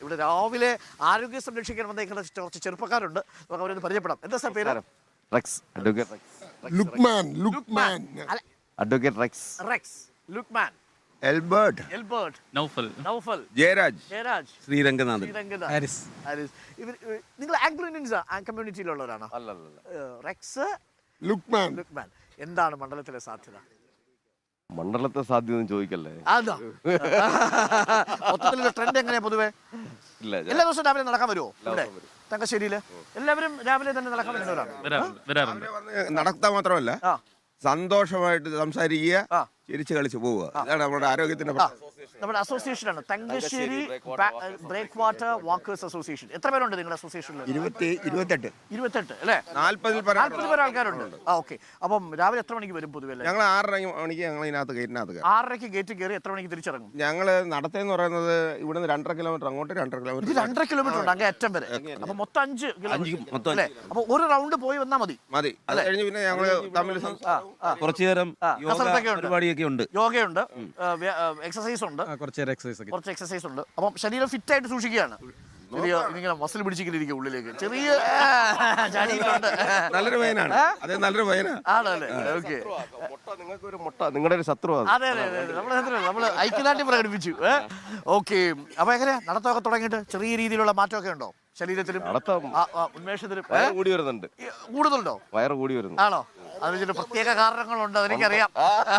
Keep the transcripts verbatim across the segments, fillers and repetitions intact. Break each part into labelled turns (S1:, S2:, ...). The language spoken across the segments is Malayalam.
S1: ഇവിടെ രാവിലെ ആരോഗ്യം സംരക്ഷിക്കാൻ വന്നേക്കുന്ന കുറച്ച് ചെറുപ്പക്കാരുണ്ട്. നമുക്ക് അവരൊന്ന് പരിചയപ്പെടാം. എന്താ സാർ പേര്?
S2: Rex, advocate Rex.
S3: Lukman, Lukman.
S2: Advocate Rex.
S1: Rex, Lukman,
S3: Elbert,
S1: Elbert,
S4: Naufal,
S1: Naufal,
S3: Jayaraj,
S1: Jayaraj,
S2: Sreeranganathan,
S1: Sreeranganathan,
S4: Haris.
S1: Haris. ഇവർ നിങ്ങൾ ആംഗ്ലോ ഇന്ത്യൻസ് കമ്മ്യൂണിറ്റിയിലുള്ളവരാണോ? റെക്സ്,
S3: ലുക്മാൻ.
S1: ലുക്മാൻ. എന്താണ് മണ്ഡലത്തിലെ സാധ്യത?
S2: മണ്ഡലത്തെ സാധ്യത ചോദിക്കല്ലേ.
S1: അതാ മൊത്തത്തിലുള്ള ട്രെൻഡ് എങ്ങനെയാ പൊതുവെ?
S2: ഇല്ല,
S1: എല്ലാ ദിവസവും രാവിലെ നടക്കാൻ വരുമോ ഇവിടെ തങ്കശ്ശേരിയില്? എല്ലാവരും രാവിലെ തന്നെ നടക്കാൻ വരുന്നവരാണ്.
S4: വരാറുണ്ട്.
S3: നടത്താൻ മാത്രമല്ല
S1: ആ
S3: സന്തോഷമായിട്ട് സംസാരിക്കുക,
S1: ആ
S3: ചിരിച്ചു കളിച്ചു പോവുക. അതാണ് നമ്മുടെ ആരോഗ്യത്തിന്റെ
S1: നമ്മുടെ അസോസിയേഷനാണ് Thangassery break water walkers association. എത്ര പേരുണ്ട് നിങ്ങളുടെ അസോസിയേഷനിൽ?
S3: ഇരുപത്തി ഇരുപത്തെട്ട്
S1: ഇരുപത്തെട്ട് അല്ലേ?
S3: നാല്പതിൽ
S1: നാൽപ്പത് പേര് ആൾക്കാരുണ്ട്. ആ ഓക്കെ. അപ്പം രാവിലെ എത്ര മണിക്ക് വരും പൊതുവെ?
S3: ഞങ്ങൾ ആറര മണിക്ക് ഞങ്ങൾ ഇതിനകത്ത് ഗേറ്റിനകത്ത്
S1: ആറരയ്ക്ക് ഗേറ്റ് കയറി എത്ര മണിക്ക് തിരിച്ചിറങ്ങും?
S3: ഞങ്ങള് നടത്തേന്ന് പറയുന്നത് ഇവിടുന്ന് രണ്ടര കിലോമീറ്റർ അങ്ങോട്ട് രണ്ടര
S1: ഇത്
S3: കിലോമീറ്റർ
S1: രണ്ടര കിലോമീറ്റർ ഉണ്ട് അങ്ങേ അറ്റം വരെ. അപ്പൊ മൊത്തം അഞ്ച് കിലോമീറ്റർ അല്ലേ? അപ്പൊ ഒരു റൗണ്ട് പോയി വന്നാൽ മതി.
S3: മതി. അത് കഴിഞ്ഞ് പിന്നെ ഞങ്ങള് തമ്മിൽ
S2: കുറച്ചു നേരം പരിപാടിയൊക്കെ ഉണ്ട്,
S1: യോഗയുണ്ട്, എക്സസൈസ് ഉണ്ട്,
S4: കുറച്ച് എക്സസൈസ് ഒക്കെ.
S1: കുറച്ച് എക്സസൈസ് ഉണ്ട്. അപ്പം ശരീരം ഫിറ്റ് ആയിട്ട് സൂക്ഷിക്കുകയാണ്. ചെറിയ ഇങ്ങനെ മസിൽ പിടിച്ചിരിക്കും ഉള്ളിലേക്ക്. ചെറിയ ചാടിയിട്ടുണ്ട്.
S3: നല്ലൊരു വയനാണ്. അതെ, നല്ലൊരു വയനാണ്.
S1: ആണല്ലേ? ഓക്കെ.
S2: നിങ്ങൾക്ക് ഒരു മുട്ട, നിങ്ങളുടെ ഒരു ശത്രു.
S1: അതെ അതെ അതെ നമ്മള് നമ്മള് ഐക്യദാർഢ്യം പ്രകടിപ്പിച്ചു. ഓക്കെ. അപ്പൊ എങ്ങനെയാ നടത്തമൊക്കെ തുടങ്ങിയിട്ട് ചെറിയ രീതിയിലുള്ള മാറ്റമൊക്കെ ഉണ്ടോ ശരീരത്തിലും ഉന്മേഷത്തിലും?
S2: കൂടി വരുന്നുണ്ട്.
S1: കൂടുതലുണ്ടോ?
S2: വയറ് കൂടി വരുന്നു.
S1: ആണോ? അതിന് ചില പ്രത്യേക കാരണങ്ങളുണ്ട്, അതെനിക്കറിയാം.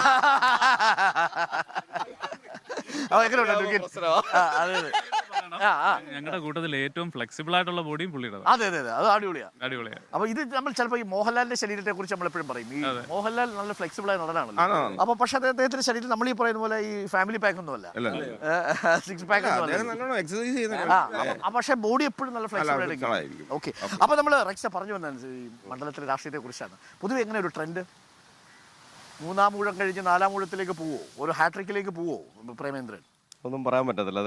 S1: അപ്പൊ എങ്ങനെയുണ്ട്? അതെ അതെ
S4: ഞങ്ങളുടെ കൂട്ടത്തിൽ ഏറ്റവും ഫ്ലെക്സിബിൾ ആയിട്ടുള്ള ബോഡിയും പുള്ളിയുടെ.
S1: അതെ അതെ അതെ അത് അടിപൊളിയാ,
S4: അടിപൊളിയാ.
S1: അപ്പൊ ഇത് നമ്മൾ ചിലപ്പോൾ ഈ മോഹൻലാലിന്റെ ശരീരത്തെ കുറിച്ച് നമ്മൾ എപ്പോഴും പറയും. ഈ മോഹൻലാൽ നല്ല ഫ്ലെക്സിബിൾ ആയ നടനാണല്ലോ. അപ്പൊ പക്ഷെ അദ്ദേഹത്തിന്റെ ശരീരം നമ്മൾ ഈ പറയുന്ന പോലെ ഈ ഫാമിലി പാക്ക് ഒന്നും അല്ല, സിക്സ് പാക്ക് ഒന്നും അല്ല. പക്ഷെ ബോഡി എപ്പോഴും നല്ല ഫ്ലെക്സിബിൾ ആയിരിക്കും. ഓക്കെ. അപ്പൊ നമ്മൾ റെക്സ പറഞ്ഞു വന്ന ഈ മണ്ഡലത്തിലെ രാഷ്ട്രീയത്തെ കുറിച്ചാണ്. പൊതുവെ എങ്ങനെ ഒരു ട്രെൻഡ്? മൂന്നാം ഊഴം കഴിഞ്ഞ് നാലാം ഊഴത്തിലേക്ക് പോവോ? ഒരു ഹാട്രിക്കിലേക്ക് പോവോ പ്രേമേന്ദ്രൻ?
S2: ഒന്നും പറയാൻ പറ്റത്തില്ല.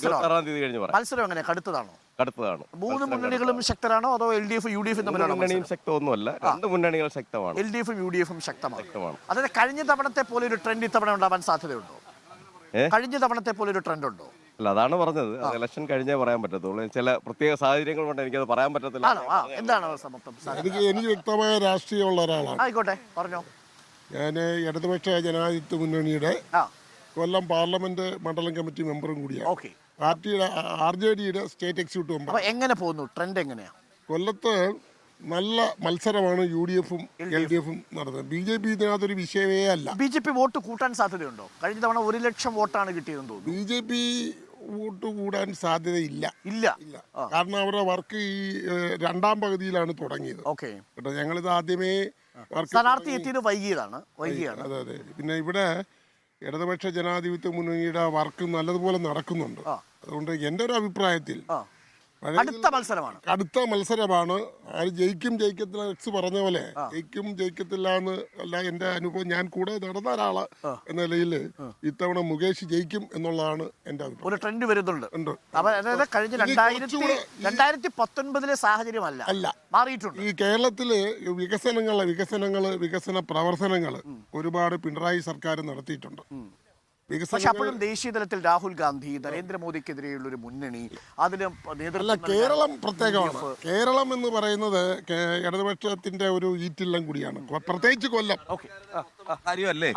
S1: മത്സരം എങ്ങനെ? കടുത്തതാണോ?
S2: കടുത്തതാണ്.
S1: മൂന്ന് മുന്നണികളും ശക്തരാണോ അതോ L D F U D F തമ്മിലാണോ?
S2: മുന്നണിയും ശക്തമൊന്നുമല്ല, രണ്ട് മുന്നണികൾ ശക്തമാണ്.
S1: എൽ ഡി എഫും യു ഡി എഫും ശക്തമാണ്. അതായത് കഴിഞ്ഞ തവണത്തെ പോലെ ഒരു ട്രെൻഡ് ഇത്തവണ ഉണ്ടാവാൻ സാധ്യതയുണ്ടോ? കഴിഞ്ഞ തവണത്തെ പോലെ ഒരു ട്രെൻഡ് ഉണ്ടോ?
S2: അല്ല, അതാണ് പറഞ്ഞത്. ഇലക്ഷൻ കഴിഞ്ഞേ പറയാൻ പറ്റത്തുള്ളൂ. ചില പ്രത്യേക സാഹചര്യങ്ങൾ കൊണ്ട് എനിക്കത് പറയാൻ പറ്റത്തില്ല.
S1: എന്താണ്
S3: എനിക്ക് എനിക്ക് വ്യക്തമായ രാഷ്ട്രീയമുള്ള ഒരാളാണ്.
S1: ആയിക്കോട്ടെ, പറഞ്ഞോ.
S3: ഞാൻ ഇടതുപക്ഷ ജനാധിപത്യ മുന്നണിയുടെ കൊല്ലം പാർലമെന്റ് മണ്ഡലം കമ്മിറ്റി മെമ്പറും കൂടിയാണ്. പാർട്ടിയുടെ ആർ ജെ ഡിയുടെ സ്റ്റേറ്റ് എക്സിക്യൂട്ടീവ് മെമ്പർ.
S1: എങ്ങനെ പോകുന്നു ട്രെൻഡ്? എങ്ങനെയാ?
S3: കൊല്ലത്ത് നല്ല മത്സരമാണ് യു ഡി എഫും എൽ ഡി എഫും നടന്നത്. ബി ജെ പി ഇതിനകത്തൊരു വിഷയമേ അല്ല.
S1: ബി ജെ പി വോട്ട് കൂട്ടാൻ സാധ്യതയുണ്ടോ? കഴിഞ്ഞ തവണ ഒരു ലക്ഷം വോട്ടാണ് കിട്ടിയതെന്ന് തോന്നുന്നു.
S3: ബി ജെ പി വോട്ട് കൂടാൻ സാധ്യതയില്ല.
S1: ഇല്ല
S3: ഇല്ല കാരണം അവരുടെ വർക്ക് ഈ രണ്ടാം പകുതിയിലാണ് തുടങ്ങിയത്.
S1: ഓക്കെ.
S3: കേട്ടോ, ഞങ്ങളിത് ആദ്യമേ
S1: സ്ഥാനാർത്ഥി എത്തിയത് വൈകിയതാണ് വൈകിയാണ്
S3: അതെ അതെ പിന്നെ ഇവിടെ ഇടതുപക്ഷ ജനാധിപത്യ മുന്നണിയുടെ വർക്ക് നല്ലതുപോലെ നടക്കുന്നുണ്ട്. അതുകൊണ്ട് എൻ്റെ ഒരു അഭിപ്രായത്തിൽ
S1: അടുത്ത മത്സരമാണ്
S3: അടുത്ത മത്സരമാണ് ആര് ജയിക്കും ജയിക്കത്തില്ല എക്സ് പറഞ്ഞ പോലെ ജയിക്കും ജയിക്കത്തില്ല എന്ന് അല്ല എൻ്റെ അനുഭവം. ഞാൻ കൂടെ നടന്ന ഒരാള് എന്ന നിലയിൽ ഇത്തവണ മുകേഷ് ജയിക്കും എന്നുള്ളതാണ് എൻ്റെ അഭിപ്രായം.
S1: ഒരു ട്രെൻഡ് വരുന്നുണ്ട്. കഴിഞ്ഞ രണ്ടായിരത്തി പത്തൊൻപതിലെ സാഹചര്യമല്ല അല്ല മാറിയിട്ടുണ്ട്.
S3: ഈ കേരളത്തില് വികസനങ്ങള് വികസനങ്ങള് വികസന പ്രവർത്തനങ്ങള് ഒരുപാട് പിണറായി സർക്കാർ നടത്തിയിട്ടുണ്ട്.
S1: പക്ഷെ അപ്പോഴും ദേശീയ തലത്തിൽ രാഹുൽ ഗാന്ധി നരേന്ദ്രമോദിക്കെതിരെയുള്ള ഒരു മുന്നണി അതിന് നേതൃത്വം.
S3: കേരളം പ്രത്യേകമാണ്. കേരളം എന്ന് പറയുന്നത് ഇടതുപക്ഷത്തിന്റെ ഒരു ഈറ്റില്ലം കൂടിയാണ്, പ്രത്യേകിച്ച് കൊല്ലം.
S2: കാര്യമല്ലേ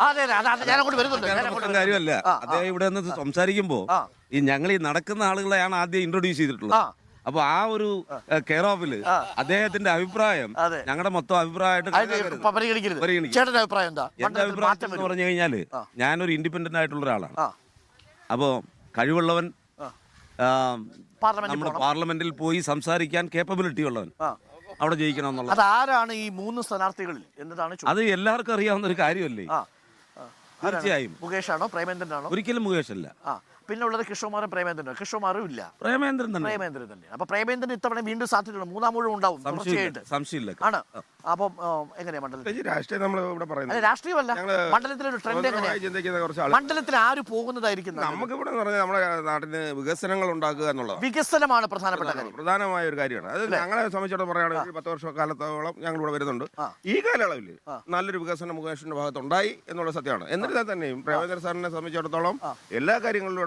S1: കാര്യമല്ല.
S2: അദ്ദേഹം ഇവിടെ നിന്ന് സംസാരിക്കുമ്പോ ഈ ഞങ്ങൾ ഈ നടക്കുന്ന ആളുകളെയാണ് ആദ്യം ഇൻട്രൊഡ്യൂസ് ചെയ്തിട്ടുള്ളത്. അപ്പൊ ആ ഒരു കെയർ ഓഫില് അദ്ദേഹത്തിന്റെ അഭിപ്രായം ഞങ്ങളുടെ മൊത്തം അഭിപ്രായമായിട്ട് എന്റെ അഭിപ്രായം എന്ന് പറഞ്ഞു കഴിഞ്ഞാല് ഞാനൊരു ഇൻഡിപെൻഡന്റ് ആയിട്ടുള്ള ഒരാളാണ്. അപ്പോ കഴിവുള്ളവൻ, നമ്മുടെ പാർലമെന്റിൽ പോയി സംസാരിക്കാൻ കേപ്പബിലിറ്റി ഉള്ളവൻ അവിടെ ജയിക്കണം എന്നുള്ളത്.
S1: അതാരാണ് ഈ മൂന്ന് സ്ഥാനാർത്ഥികളിൽ എന്നതാണ്
S2: അത് എല്ലാവർക്കും അറിയാവുന്ന ഒരു കാര്യമല്ലേ. തീർച്ചയായും
S1: മുകേഷാണോ പ്രേമേന്ദ്രനാണോ?
S2: ഒരിക്കലും മുകേഷ് അല്ല.
S1: പിന്നെ ഉള്ളത് കൃഷ്ണകുമാറും പ്രേമേന്ദ്രനും. കൃഷ്ണകുമാറും ഇല്ല,
S2: പ്രേമേന്ദ്രൻ തന്നെ.
S1: പ്രേമേന്ദ്രൻ തന്നെ. അപ്പൊ പ്രേമേന്ദ്രൻ ഇത്തവണ വീണ്ടും സാധ്യതയുണ്ട്. മൂന്നാം മുഴുവൻ ഉണ്ടാവും തീർച്ചയായിട്ടും.
S2: സംശയമില്ല.
S1: ആണ്. അപ്പം എങ്ങനെയാ മണ്ഡലത്തിൽ
S3: രാഷ്ട്രീയം നമ്മൾ ഇവിടെ പറയുന്നത്?
S1: രാഷ്ട്രീയമല്ല, മണ്ഡലത്തിലൊരു ട്രെൻഡ് എങ്ങനെയാ? മണ്ഡലത്തിൽ ആര് പോകുന്നതായിരിക്കും?
S3: നമുക്ക് ഇവിടെ പറഞ്ഞാൽ നമ്മുടെ നാട്ടിന് വികസനങ്ങൾ ഉണ്ടാക്കുക എന്നുള്ളത്
S1: വികസനമാണ് പ്രധാനപ്പെട്ട കാര്യം,
S3: പ്രധാനമായ ഒരു കാര്യമാണ്. അത് ഞങ്ങളെ സംബന്ധിച്ചിടത്തോളം പറയുകയാണെങ്കിൽ പത്ത് വർഷ കാലത്തോളം ഞങ്ങൾ ഇവിടെ വരുന്നുണ്ട്. ഈ കാലയളവിൽ നല്ലൊരു വികസനം മുകേഷിന്റെ ഭാഗത്തുണ്ടായി എന്നുള്ള സത്യമാണ്. എന്നിരുന്നാൽ തന്നെയും പ്രേമേന്ദ്ര സാറിനെ സംബന്ധിച്ചിടത്തോളം എല്ലാ കാര്യങ്ങളിലും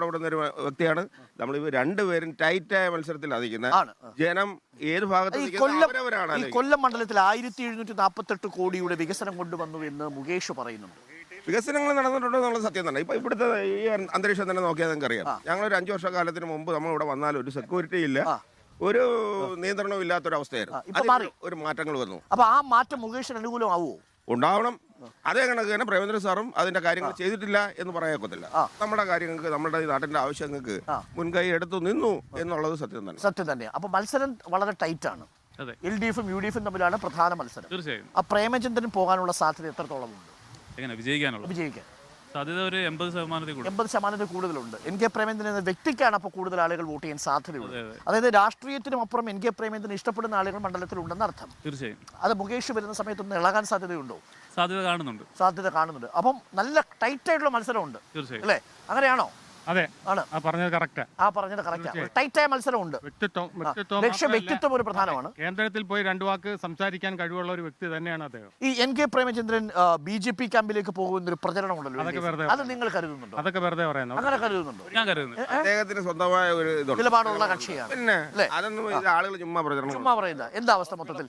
S5: ഇഷ്ടപ്പെടുന്ന ഒരു വ്യക്തിയാണ്. നമ്മൾ രണ്ടുപേരും ടൈറ്റായ മത്സരത്തിലാണ് നിൽക്കുന്നത്.
S1: ആണ്.
S5: ജനം ഏത് ഭാഗത്ത്
S1: ഈ
S5: നിൽക്കുന്നത്
S1: കൊല്ലം
S5: അവരവരാണ്
S1: ഈ
S5: ആലോചിക്കുന്നത്.
S1: കൊല്ലം മണ്ഡലത്തിൽ ആയിരത്തി എഴുന്നൂറ്റി നാൽപ്പത്തെട്ട് കോടിയുടെ വികസനം കൊണ്ടുവന്നു എന്ന് മുകേഷ് പറയുന്നുണ്ട്.
S5: വികസനങ്ങൾ നടന്നിട്ടുണ്ടോ എന്നുള്ള സത്യം തന്നെ. ഇപ്പൊ ഇവിടുത്തെ ഈ അന്തരീക്ഷം തന്നെ നോക്കിയാൽ നിങ്ങൾക്ക് അറിയാം. ഞങ്ങളൊരു അഞ്ചു വർഷക്കാലത്തിന് മുമ്പ് നമ്മൾ ഇവിടെ വന്നാൽ ഒരു സെക്യൂരിറ്റി ഇല്ല, ഒരു നിയന്ത്രണവും ഇല്ലാത്തൊരവസ്ഥയായിരുന്നു.
S1: ഇപ്പൊ മാറി.
S5: ഒരു മാറ്റങ്ങൾ വന്നു.
S1: അപ്പൊ ആ മാറ്റം മുകേഷിന് അനുകൂലമാവോ?
S5: ഉണ്ടാവണം. അതേ കണക്ക് തന്നെ പ്രേമേന്ദ്ര സാറും അതിന്റെ കാര്യങ്ങൾ ചെയ്തിട്ടില്ല എന്ന് പറയാക്കൊത്തില്ല. നമ്മുടെ കാര്യങ്ങൾക്ക് നമ്മുടെ ഈ നാട്ടിന്റെ ആവശ്യങ്ങൾക്ക് മുൻകൈ എടുത്തു നിന്നു എന്നുള്ളത് സത്യം തന്നെ.
S1: സത്യം തന്നെയാണ്. അപ്പൊ മത്സരം വളരെ ടൈറ്റ് ആണ്. എൽ ഡി എഫും യു ഡി എഫും തമ്മിലാണ് പ്രധാന മത്സരം.
S4: തീർച്ചയായും.
S1: ആ പ്രേമചന്ദ്രൻ പോകാനുള്ള സാധ്യത എത്രത്തോളം ഉണ്ട്?
S4: എങ്ങനെ വിജയിക്കാനുള്ള
S1: വിജയിക്കാൻ
S4: സാധ്യത ഒരു എൺപത് ശതമാനത്തിൽ കൂടുതൽ
S1: എൺപത് ശതമാനത്തിൽ കൂടുതലുണ്ട്. എൻ കെ പ്രേമേന്ദ്രൻ എന്ന വ്യക്തിക്കാണ് അപ്പോൾ കൂടുതൽ ആളുകൾ വോട്ട് ചെയ്യാൻ സാധ്യതയുള്ളത്. അതായത് രാഷ്ട്രീയത്തിനും അപ്പുറം എൻ കെ പ്രേമേന്ദ്രൻ ഇഷ്ടപ്പെടുന്ന ആളുകൾ മണ്ഡലത്തിലുണ്ടെന്ന് അർത്ഥം.
S4: തീർച്ചയായും.
S1: അത് മുകേഷ് വരുന്ന സമയത്തൊന്ന് ഇളകാൻ സാധ്യതയുണ്ടോ?
S4: സാധ്യത കാണുന്നുണ്ട്.
S1: സാധ്യത കാണുന്നുണ്ട്. അപ്പം നല്ല ടൈറ്റ് ആയിട്ടുള്ള മത്സരമുണ്ട്.
S4: തീർച്ചയായും.
S1: അല്ലേ? അങ്ങനെയാണോ?
S6: അതെ,
S1: ആണ്.
S6: ആ പറഞ്ഞത് കറക്റ്റാ.
S1: ആ പറഞ്ഞത് കറക്റ്റാണ്. ടൈറ്റായ മത്സരമുണ്ട്.
S6: വ്യക്തിത്വം വ്യക്തിത്വം
S1: ലക്ഷ്യം വ്യക്തിത്വം ഒരു പ്രധാനമാണ്.
S6: കേന്ദ്രത്തിൽ പോയി രണ്ടു വാക്ക് സംസാരിക്കാൻ കഴിവുള്ള ഒരു വ്യക്തി തന്നെയാണ് അദ്ദേഹം.
S1: ഈ N K Premachandran B J P ക്യാമ്പിലേക്ക് പോകുന്ന ഒരു പ്രചരണം ഉണ്ടല്ലോ,
S6: അതൊക്കെ വെറുതെ
S1: അത് നിങ്ങൾ കരുതുന്നുണ്ടോ?
S6: അതൊക്കെ വെറുതെ പറയുന്നു.
S1: അങ്ങനെ കരുതുന്നുണ്ടോ?
S4: ഞാൻ കരുതുന്നു
S5: അദ്ദേഹത്തിന് സ്വന്തമായ ഒരു ഇതുണ്ട്,
S1: നിലപാടുള്ള കക്ഷിയാണ്.
S5: പിന്നെ അതൊന്നും ആളുകൾ ചുമ്മാ പ്രചരണം
S1: ചുമ്മാ പറയുന്ന എന്താ അവസ്ഥ മൊത്തത്തിൽ?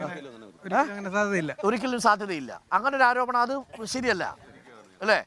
S6: സാധ്യതയില്ല,
S1: ഒരിക്കലും സാധ്യതയില്ല. അങ്ങനെ ഒരു ആരോപണം അത് ശരിയല്ല അല്ലേ?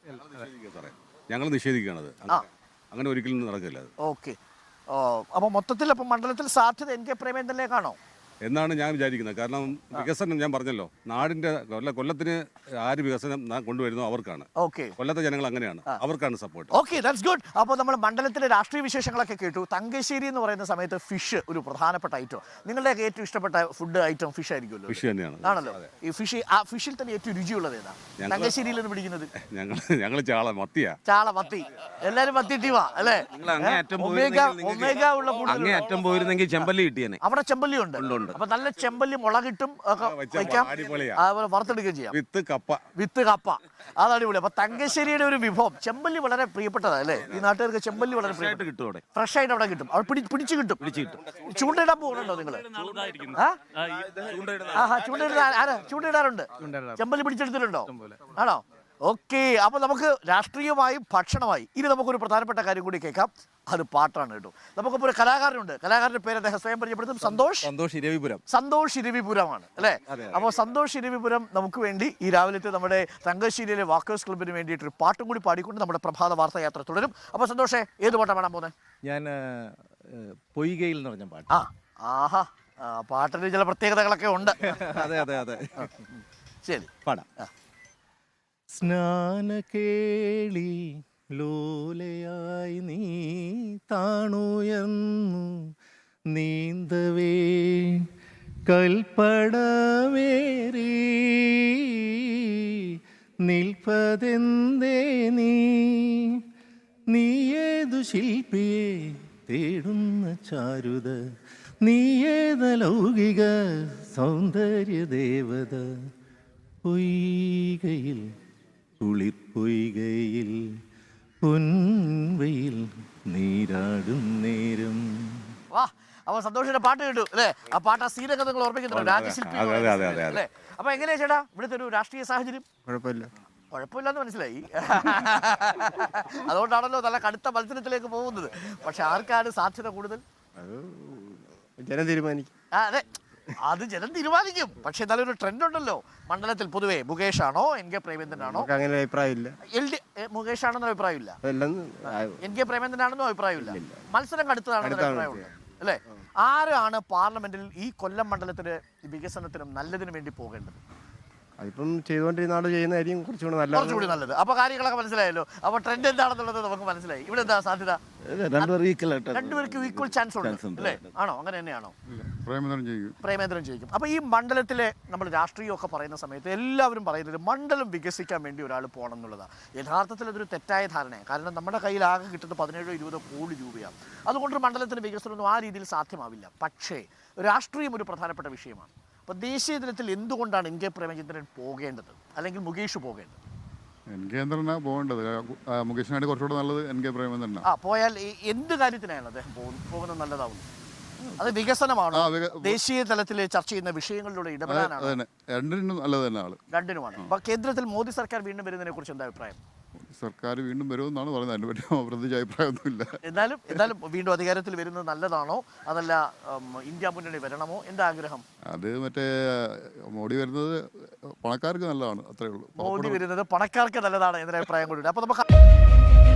S2: ഞങ്ങൾ നിഷേധിക്കുകയാണത്. അങ്ങനെ ഒരിക്കലും നടക്കില്ല.
S1: ഓക്കെ. അപ്പൊ മൊത്തത്തിൽ അപ്പൊ മണ്ഡലത്തിൽ സാധ്യത എൻ കെ പ്രേമേന്ദ്രനിലേക്കാണോ
S2: എന്നാണ് ഞാൻ വിചാരിക്കുന്നത്. കാരണം വികസനം ഞാൻ പറഞ്ഞല്ലോ, നാടിന്റെ കൊല്ല കൊല്ലത്തിന് ആര് വികസനം കൊണ്ടുവരുന്നോ അവർക്കാണ്.
S1: ഓക്കെ.
S2: കൊല്ലത്തെ ജനങ്ങൾ അങ്ങനെയാണ്, അവർക്കാണ് സപ്പോർട്ട്.
S1: Okay, that's good. അപ്പോൾ നമ്മൾ മണ്ഡലത്തിലെ രാഷ്ട്രീയ വിശേഷങ്ങളൊക്കെ കേട്ടു. തങ്കശ്ശേരി എന്ന് പറയുന്ന സമയത്ത് ഫിഷ് ഒരു പ്രധാനപ്പെട്ട ഐറ്റം. നിങ്ങളുടെ ഏറ്റവും ഇഷ്ടപ്പെട്ട ഫുഡ് ഐറ്റം ഫിഷ് ആയിരിക്കുമല്ലോ?
S2: ഫിഷ് തന്നെയാണ്.
S1: ആണല്ലോ. ഈ ഫിഷ് ആ ഫിഷിൽ തന്നെ ഏറ്റവും രുചിയുള്ളത് ഏതാ? തങ്കശ്ശേരിയിൽ നിന്ന് പിടിക്കുന്നത്
S2: ഞങ്ങൾ ഞങ്ങൾ ചാള മത്തിയാ.
S1: ചാള മത്തി. എല്ലാരും മത്തി ടീമാ അല്ലേ? ഒമേഗ ഉള്ള
S2: അങ്ങേയറ്റം പോയിരുന്നെങ്കിൽ ചെമ്പല്ലി കിട്ടിയേനെ.
S1: അവിടെ ചെമ്പല്ലി ഉണ്ട്. അപ്പൊ നല്ല ചെമ്പല്ലി മുളകിട്ടും വയ്ക്കാം, അതുപോലെ വറുത്തെടുക്കുകയും ചെയ്യാം.
S2: വിത്ത് കപ്പ.
S1: വിത്ത് കപ്പ അത് അടിപൊളി. അപ്പൊ തങ്കശ്ശേരിയുടെ ഒരു വിഭവം ചെമ്പല്ലി വളരെ പ്രിയപ്പെട്ടതാ അല്ലേ? ഈ നാട്ടുകാർക്ക് ചെമ്പല്ലി വളരെ
S2: കിട്ടും അവിടെ,
S1: ഫ്രഷ് ആയിട്ട് അവിടെ കിട്ടും. അവിടെ പിടിച്ചു കിട്ടും. ചൂണ്ടയിടാൻ പോകുന്നുണ്ടോ നിങ്ങള്? ആഹാ, ചൂണ്ടയിടാ ആരാ ചൂണ്ടയിടാറുണ്ട്? ചെമ്പല്ലി പിടിച്ചെടുത്തിട്ടുണ്ടോ? ആണോ? ഓക്കെ. അപ്പൊ നമുക്ക് രാഷ്ട്രീയമായി ഭക്ഷണമായി ഇനി നമുക്കൊരു പ്രധാനപ്പെട്ട കാര്യം കൂടി കേൾക്കാം. അത് പാട്ടാണ് കേട്ടോ. നമുക്കിപ്പോൾ ഒരു കലാകാരനുണ്ട്. കലാകാരന്റെ പേര് അദ്ദേഹം സ്വയം പരിചയപ്പെടുത്തും. സന്തോഷ്
S2: സന്തോഷ് ഇരവിപുരം.
S1: സന്തോഷ് ഇരവിപുരമാണ് അല്ലേ? അപ്പോൾ സന്തോഷ് ഇരവിപുരം നമുക്ക് വേണ്ടി ഈ രാവിലത്തെ നമ്മുടെ തങ്കശ്ശേരിയിലെ വാക്കേഴ്സ് ക്ലബിന് വേണ്ടിയിട്ട് ഒരു പാട്ടും കൂടി പാടിക്കൊണ്ട് നമ്മുടെ പ്രഭാത വാർത്താ യാത്ര തുടരും. അപ്പോൾ സന്തോഷേ, ഏത് പാട്ടാണ് പാടാൻ പോകുന്നത്?
S7: ഞാൻ പൊയ്കയിൽ എന്ന് പറഞ്ഞ പാട്ട്.
S1: ആ ആഹാ, പാട്ടിന് ചില പ്രത്യേകതകളൊക്കെ ഉണ്ട്.
S7: അതെ അതെ അതെ
S1: ശരി,
S7: പാടാം. സ്നാനകേളി ലോലയായി നീ താണുയർന്നു നീന്തവേ കൽപ്പടവേറി നിൽപ്പതെന്തേ നീ നീയേതു ശില്പിയെ തേടുന്ന ചാരുത, നീയേത ലൗകിക സൗന്ദര്യ ദേവത, പൊയ്കയിൽ കുളിർപ്പൊയ്കയിൽ പൊൻവയിൽ നീരാടും നേരം.
S1: വാ, അപ്പൊ സന്തോഷിന്റെ പാട്ട് കേട്ടു അല്ലേ? ആ പാട്ട് ആ സീനൊക്കെ നിങ്ങൾ ഓർമ്മിക്കുന്നുണ്ട്, രാജശില്പി അല്ലേ? അപ്പൊ എങ്ങനെയാ ചേട്ടാ ഇവിടുത്തെ ഒരു രാഷ്ട്രീയ സാഹചര്യം?
S7: കുഴപ്പമില്ല.
S1: കുഴപ്പമില്ലെന്ന് മനസ്സിലായി. അതുകൊണ്ടാണല്ലോ നല്ല കടുത്ത മത്സരത്തിലേക്ക് പോകുന്നത്. പക്ഷെ ആർക്കാണ് സാധ്യത കൂടുതൽ?
S7: ജനം തീരുമാനിക്കും.
S1: ആ അതെ, അത് ജനം തീരുമാനിക്കും. പക്ഷെ നല്ലൊരു ട്രെൻഡ് ഉണ്ടല്ലോ മണ്ഡലത്തിൽ. പൊതുവേ മുകേഷ് ആണോ എൻ കെ പ്രേമേന്ദ്രനാണോ?
S7: അങ്ങനെ അഭിപ്രായമില്ല.
S1: എൽ ഡി മുകേഷ് ആണെന്നോ അഭിപ്രായമില്ല? എൻ കെ പ്രേമേന്ദ്രനാണെന്നോ അഭിപ്രായമില്ല? മത്സരം കടുത്തതാണെന്നോ അഭിപ്രായമുണ്ട് അല്ലേ? ആരാണ് പാർലമെന്റിൽ ഈ കൊല്ലം മണ്ഡലത്തിന്റെ വികസനത്തിനും നല്ലതിനും വേണ്ടി പോകേണ്ടത്?
S7: അതിപ്പം ചെയ്തുകൊണ്ടിരുന്ന ആള് ചെയ്യുന്നതായിരിക്കും കുറച്ചുകൂടി നല്ലത്.
S1: കുറച്ചുകൂടി നല്ലത്. അപ്പൊ കാര്യങ്ങളൊക്കെ മനസ്സിലായല്ലോ. അപ്പൊ ട്രെൻഡ് എന്താണെന്നുള്ളത് നമുക്ക് മനസ്സിലായി. ഇവിടെ എന്താ സാധ്യത? രണ്ടുപേർക്കും ഈക്വൽ ചാൻസ് ഉണ്ട് അല്ലേ? ആണോ? അങ്ങനെ തന്നെയാണോ?
S3: പ്രേമേന്ദ്രൻ ജയിക്കും.
S1: പ്രേമേന്ദ്രൻ ജയിക്കും. അപ്പൊ ഈ മണ്ഡലത്തിലെ നമ്മൾ രാഷ്ട്രീയമൊക്കെ പറയുന്ന സമയത്ത് എല്ലാവരും പറയുന്നത് മണ്ഡലം വികസിക്കാൻ വേണ്ടി ഒരാൾ പോകണം എന്നുള്ളതാണ്. യഥാർത്ഥത്തിൽ അതൊരു തെറ്റായ ധാരണയാണ്. കാരണം നമ്മുടെ കയ്യിൽ ആകെ കിട്ടുന്നത് പതിനേഴോ ഇരുപതോ കോടി രൂപയാണ്. അതുകൊണ്ടൊരു മണ്ഡലത്തിന് വികസനമൊന്നും ആ രീതിയിൽ സാധ്യമാവില്ല. പക്ഷേ രാഷ്ട്രീയം ഒരു പ്രധാനപ്പെട്ട വിഷയമാണ്. അപ്പോൾ ദേശീയ തലത്തിൽ എന്തുകൊണ്ടാണ് എൻ കെ പ്രേമചന്ദ്രൻ പോകേണ്ടത്, അല്ലെങ്കിൽ മുകേഷ് പോകേണ്ടത്?
S3: എൻ കെ ചന്ദ്രനാണ് പോകേണ്ടത്. മുകേഷിനായിട്ട് കുറച്ചുകൂടെ നല്ലത് എൻ കെ പ്രേമചന്ദ്രനാണ്.
S1: ആ പോയാൽ എന്ത് കാര്യത്തിനാണ് അദ്ദേഹം പോകുന്നത് നല്ലതാവുന്നത്? അത് വികസനമാണോ, ദേശീയ തലത്തിൽ ചർച്ച ചെയ്യുന്ന വിഷയങ്ങളിലൂടെ ഇടപെടാനാണ്?
S3: രണ്ടിനും നല്ലത് തന്നെ ആള്.
S1: രണ്ടിനുമാണ്. അപ്പൊ കേന്ദ്രത്തിൽ മോദി സർക്കാർ വീണ്ടും വരുന്നതിനെ കുറിച്ച് എന്താ അഭിപ്രായം?
S8: സർക്കാർ വീണ്ടും വരുമെന്നാണ് പറയുന്നത്. അതിനെ പറ്റി പ്രത്യേകിച്ച് അഭിപ്രായമൊന്നുമില്ല.
S1: എന്നാലും എന്നാലും വീണ്ടും അധികാരത്തിൽ വരുന്നത് നല്ലതാണോ അതല്ല ഇന്ത്യ മുന്നണി വരണമോ? എന്താ ആഗ്രഹം?
S8: അത് മറ്റേ മോഡി വരുന്നത് പണക്കാർക്ക് നല്ലതാണ്, അത്രേ ഉള്ളൂ.
S1: മോദി വരുന്നത് പണക്കാർക്ക് നല്ലതാണ് എന്നൊരു അഭിപ്രായം കൂടി. അപ്പൊ നമുക്ക്